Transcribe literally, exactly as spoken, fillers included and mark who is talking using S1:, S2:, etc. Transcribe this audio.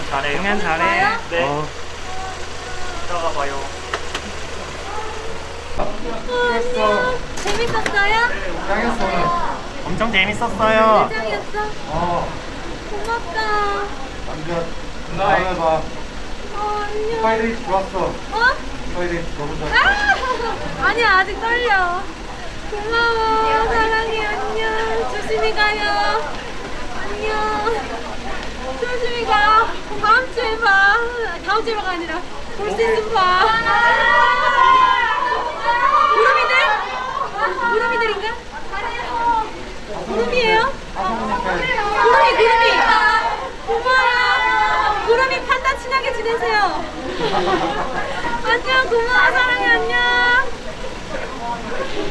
S1: 잘해요.
S2: 공연 잘해.
S1: 네.
S2: 어.
S1: 이따가 봐요.
S3: 안녕. 재밌었어요?
S4: 짱이었어 오늘.
S2: 엄청 재밌었어요.
S3: 짱이었어?
S4: 어.
S3: 고맙다.
S4: 남자 다음에 봐.
S3: 어, 안녕.
S4: 스파이데이 좋았어.
S3: 어?
S4: 스파이데이 너무 좋았어.
S3: 아! 아니야, 아직 떨려. 고마워. 사랑해. 안녕. 조심히 가요. 안녕. 조심히 가. 다음 주에 봐. 다음 주에 봐가 아니라 볼 수 있으면 봐. 구름이들? 구름이들인가? 구름이에요? 구름이, 구름이. 고마워. 구름이 판다 친하게 지내세요. 안녕, 고마워. 사랑해, 안녕.